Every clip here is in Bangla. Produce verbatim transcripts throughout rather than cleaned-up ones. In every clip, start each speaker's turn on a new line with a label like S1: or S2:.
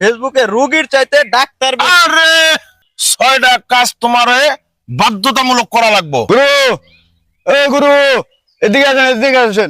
S1: ফেসবুকে রোগীর চাইতে ডাক্তার বেশি।
S2: আরে ছয়টা কাজ তোমারে বাধ্যতামূলক করা লাগবে।
S3: গুরু, এ গুরু, এদিকে আসেন, এদিকে আসেন।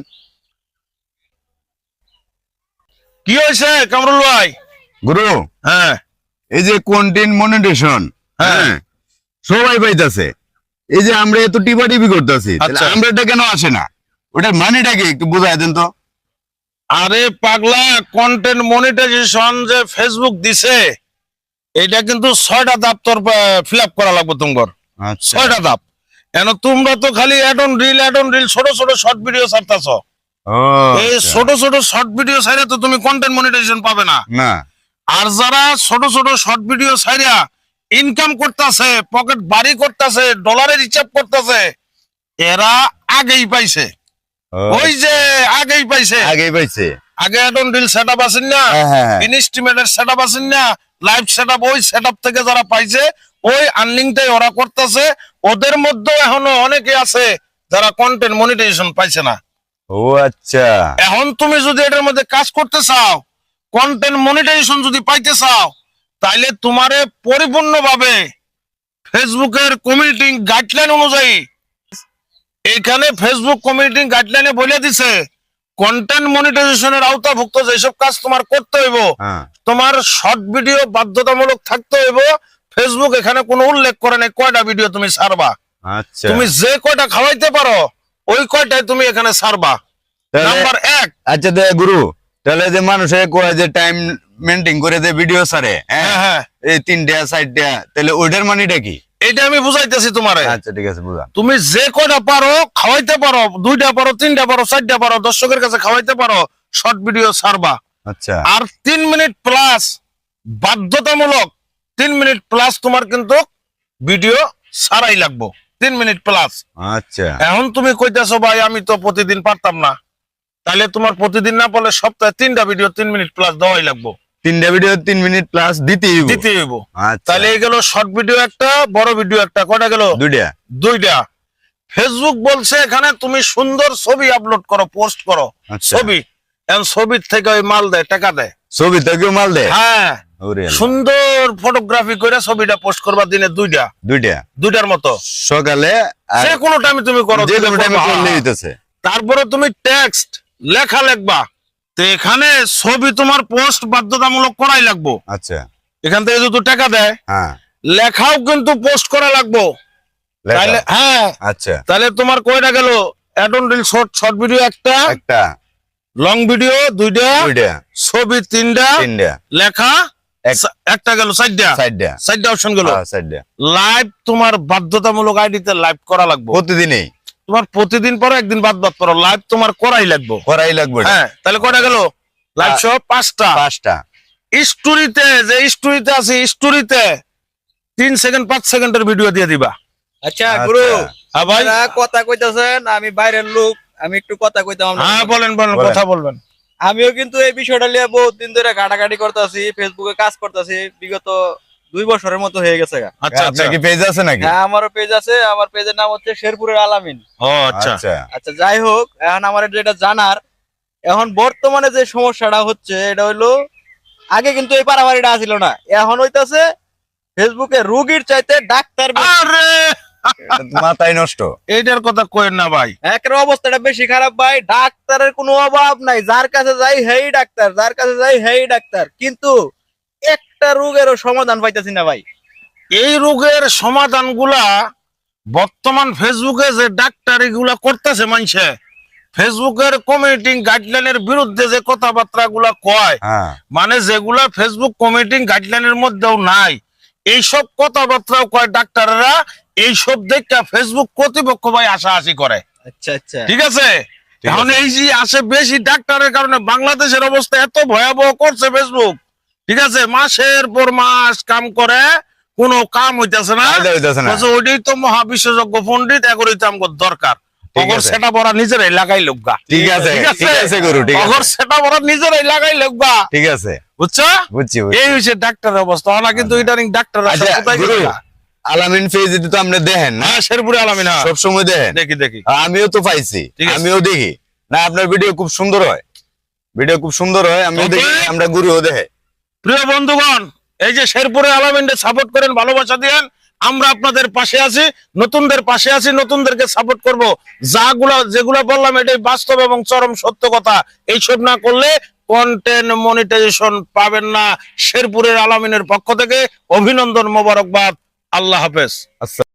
S2: কি হয়েছে কামরুল ভাই?
S3: গুরু,
S2: হ্যাঁ
S3: এই যে কন্টেন্ট মনিটেশন,
S2: হ্যাঁ।
S3: হ্যাঁ, সবাই পাইতাছে। এই যে আমরা এত টিপা টিপি করতেছি,
S2: আচ্ছা।
S3: আমরা এটা কেন আসে না? ওটার মানেটা কি একটু বুঝাই দেন তো।
S2: আরে পাগলা, কন্টেন্ট মনিটাইজেশন যে ফেসবুক দিছে এটা কিন্তু ছয়টা ধাপ তোর ফিল আপ করা লাগবে তোমার।
S3: আচ্ছা,
S2: ছয়টা ধাপ। কেন তোমরা তো খালি ad on reel ad on reel ছোট ছোট শর্ট ভিডিও ছাড়তাছ।
S3: ও
S2: এই
S3: আচ্ছা।
S2: ছোট ছোট শর্ট ভিডিও ছাইরা তো তুমি কন্টেন্ট মনিটাইজেশন পাবে না।
S3: না,
S2: আর যারা ছোট ছোট শর্ট ভিডিও ছাইরা ইনকাম করতেছে, পকেট বাড়ি করতেছে, ডলারের হিসাব করতেছে, এরা আগেই পাইছে।
S3: ও,
S2: ওই যে আগেই পাইছে।
S3: আগেই পাইছে।
S2: আগে অ্যাড অন রিল সেটআপ আছেন না,
S3: হ্যাঁ, হ্যাঁ, হ্যাঁ।
S2: ইনস্টিমেটের সেটআপ আছেন না, লাইভ সেটআপ, ওই সেটআপ থেকে যারা পাইছে ওই আর্নিংটাই ওরা করতেছে। ওদের মধ্যে এখনো অনেকে আছে যারা কন্টেন্ট মনিটাইজেশন পাইছে না।
S3: ও আচ্ছা,
S2: এখন তুমি যদি এটার মধ্যে কাজ করতে চাও, কন্টেন্ট মনিটাইজেশন যদি পাইতে চাও, তাইলে তোমারে পরিপূর্ণভাবে ফেসবুকের কমিউনিটি গাইডলাইন অনুযায়ী, এখানে ফেসবুক কমিউনিটি গাইডলাইনে বলে দিছে কন্টেন্ট মনিটাইজেশনের আওতাভুক্ত যেসব কাজ তোমার করতে হইব,
S3: হ্যাঁ,
S2: তোমার শর্ট ভিডিও বাধ্যতামূলক থাকতে হইব। ফেসবুক এখানে কোনো উল্লেখ করে নাই কয়টা ভিডিও তুমি ছাড়বা।
S3: আচ্ছা।
S2: তুমি যে কয়টা খাওয়াইতে পারো ওই কয়টাই তুমি এখানে ছাড়বা।
S3: তাহলে-
S2: নাম্বার এক।
S3: আচ্ছা দে গুরু, তাহলে যে মানুষে কয় যে টাইম মেনটেন করে যে ভিডিও ছাড়ে,
S2: হ্যাঁ
S3: হ্যাঁ,
S2: হ্যাঁ,
S3: এই তিনটা চারটা, তাহলে ওইটার মানেটা কি?
S2: এটা আমি বুঝাইতেছি তোমারে।
S3: আচ্ছা ঠিক আছে, বুঝলাম।
S2: তুমি যে কয়টা পারো খাওয়াইতে পারো, দুইটা পারো, তিনটা পারো, চারটা পারো, দর্শকের কাছে খাওয়াইতে পারো, শর্ট ভিডিও ছাড়বা।
S3: আচ্ছা,
S2: আর তিন মিনিট প্লাস বাধ্যতামূলক, তিন মিনিট প্লাস তোমার কিন্তু ভিডিও ছাড়াই লাগবো, তিন মিনিট প্লাস।
S3: আচ্ছা,
S2: এখন তুমি কইতেছো ভাই আমি তো প্রতিদিন পারতাম না, তাহলে তোমার প্রতিদিন না পারলে সপ্তাহে তিনটা ভিডিও তিন মিনিট প্লাস দেওয়াই লাগবো,
S3: তিনটা ভিডিও তিন মিনিট প্লাস দিতেই হইব।
S2: দিতে হইব।
S3: আচ্ছা,
S2: তাহলে এই গেল শর্ট ভিডিও একটা, বড় ভিডিও একটা, কয়টা গেল?
S3: দুইটা।
S2: দুইটা। ফেসবুক বলছে এখানে তুমি সুন্দর ছবি আপলোড করো, পোস্ট করো,
S3: আচ্ছা।
S2: ছবি। এখন ছবির থেকে ওই মাল দেয়, টাকা দেয়।
S3: ছবি তো কেউ মাল দেয়?
S2: হ্যাঁ,
S3: ওরে আল্লাহ।
S2: সুন্দর ফটোগ্রাফি করে ছবিটা পোস্ট করবা দিনে দুইটা,
S3: দুইটা
S2: দুইটার মতো
S3: সকালে আর
S2: যে কোনো টাইমে তুমি করো,
S3: যে কোনো টাইমে
S2: করবা।
S3: করলে হইতেছে।
S2: তারপরে তুমি টেক্সট লেখা লিখবা। তো এখানে ছবি তোমার পোস্ট বাধ্যতামূলক করাই লাগবো।
S3: আচ্ছা,
S2: এখান থেকে যদি টাকা দেয়,
S3: হ্যাঁ,
S2: লেখাও কিন্তু পোস্ট করা লাগবো।
S3: লেখা।
S2: তাহলে হ্যাঁ,
S3: আচ্ছা,
S2: তাহলে তোমার কয়টা গেল? Ad on reel short, short video একটা,
S3: একটা,
S2: লং ভিডিও দুইটা,
S3: দুইটা,
S2: ছবি তিনটা,
S3: তিনটা,
S2: লেখা
S3: এক-
S2: সা- একটা গেল, চারটা,
S3: চারটা,
S2: চারটা অপশন গেল।
S3: হ্যাঁ, চারটা।
S2: লাইভ তোমার বাধ্যতামূলক আইডিতে লাইভ করা লাগবে।
S3: প্রতিদিনই
S2: তোমার প্রতিদিন পরে একদিন বাদ বাদ করো, লাইভ তোমার করাই লাগবে।
S3: করাই লাগবে এটা।
S2: হ্যাঁ, তাহলে কয়টা গেল? লাইভ সহ পাঁচটা।
S3: পাঁচটা।
S2: স্টোরিতে, যে স্টোরিতে আছে, স্টোরিতে তিন সেকেন্ড পাঁচ সেকেন্ডের ভিডিও দিয়ে দিবা।
S1: আচ্ছা
S3: আচ্ছা।
S1: গুরু,
S2: হ্যাঁ ভাই,
S1: আপনারা কথা কইতাছেন, আমি বাইরের লোক, আমি একটু কথা কইতাম আপনাদের
S2: হ্যাঁ
S1: সাথে।
S2: বলেন বলেন,
S3: বলেন।
S2: কথা বলবেন।
S1: আমিও কিন্তু এই বিষয়টা নিয়ে বহুত দিন ধরে ঘাটাঘাটি করতেছি, ফেসবুকে কাজ করতেছি, বিগত দুই বছরের মতো হয়ে গেছে গা।
S2: আচ্ছা আচ্ছা,
S3: আপনার কি পেজ আছে নাকি?
S1: হ্যাঁ, আমারও পেজ আছে, আমার পেজের নাম হচ্ছে শেরপুরের আলামিন।
S2: ও আচ্ছা
S3: আচ্ছা,
S1: আচ্ছা, যাই হোক, এখন আমার যেটা জানার, এখন বর্তমানে যে সমস্যাটা হচ্ছে এটা হইলো, আগে কিন্তু এই পারাবাড়িটা আসিল না, এখন হইতাছে ফেসবুকে রোগীর চাইতে ডাক্তার বেশি।
S2: আরে
S3: এটা তো মাথায় নষ্ট।
S2: এইটার কথা কইেন না ভাই।
S1: একের অবস্থাটা বেশি খারাপ ভাই, ডাক্তারের কোনো অভাব নাই, যার কাছে যাই হেই ডাক্তার, যার কাছে যাই হেই ডাক্তার, কিন্তু একটা রোগেরও সমাধান পাইতেছি না ভাই।
S2: এই রোগের সমাধানগুলা বর্তমান ফেসবুকে যে ডাক্তার এগুলা করতেছে মানুষে, ফেসবুকের কমিউনিটি গাইডলাইনের বিরুদ্ধে যে কথাবার্তা গুলা কয়,
S3: হ্যাঁ,
S2: মানে যেগুলা ফেসবুক কমিউনিটি গাইডলাইনের মধ্যেও নাই, এইসব কথাবার্তাও কয় ডাক্তাররা। এইসব দেখে ফেসবুক কর্তৃপক্ষ ভাই আশাআশি করে।
S1: আচ্ছা আচ্ছা,
S2: ঠিক আছে,
S3: ঠিক
S2: এখন
S3: আছে।
S2: এই যে আসে বেশি ডাক্তারের কারণে বাংলাদেশের অবস্থা এত ভয়াবহ করছে ফেসবুক। ঠিক আছে, মাসের পর মাস কাম করে, কোনো কাম হইতেছে না।
S3: ফায়দা হইতাছে না।
S2: বলছে, ওইটাই তো মহা বিশেষজ্ঞ পণ্ডিত, এগুলোই তো আমাকে দরকার।
S3: ঠিক
S2: অগর
S3: আছে।
S2: সেটা বড় নিজেরাই লাগাই লোকগা।
S3: ঠিক আছে, ঠিক আছে গুরু, ঠিক
S2: অগর
S3: আছে,
S2: সেটা বড় নিজেরাই লাগাই লোকগা।
S3: ঠিক আছে,
S2: বুঝছো?
S3: বুঝছি, বুঝছি।
S2: এই হচ্ছে ডাক্তারের অবস্থা। ওরা কিন্তু ইদানিং ডাক্তার
S3: আচ্ছা গুরু, আলামিন পেজ তো আপনি দেখেন না?
S2: হ্যাঁ, শেরপুরে আলামিন, হ্যাঁ।
S3: সব সময় দেখেন?
S2: দেখি দেখি।
S3: আমিও তো পাইছি,
S2: ঠিক আছে।
S3: আমিও দেখি না, আপনার ভিডিও খুব সুন্দর হয়, ভিডিও খুব সুন্দর হয়, আমিও
S2: তবে-
S3: দেখি, আমরা গুরুও দেখে।
S2: প্রিয় বন্ধুগণ, এই যে শেরপুরে আলামিনকে সাপোর্ট করেন, ভালোবাসা দিয়েন, আমরা আপনাদের পাশে আছি, নতুনদের পাশে আছি, নতুনদেরকে সাপোর্ট করব। যাগুলা যেগুলা বললাম এটাই বাস্তব এবং চরম সত্য কথা। এইসব না করলে কন্টেন্ট মনিটাইজেশন পাবেন না। শেরপুরের আলামিনের পক্ষ থেকে অভিনন্দন, মোবারকবাদ। আল্লাহ হাফেজ।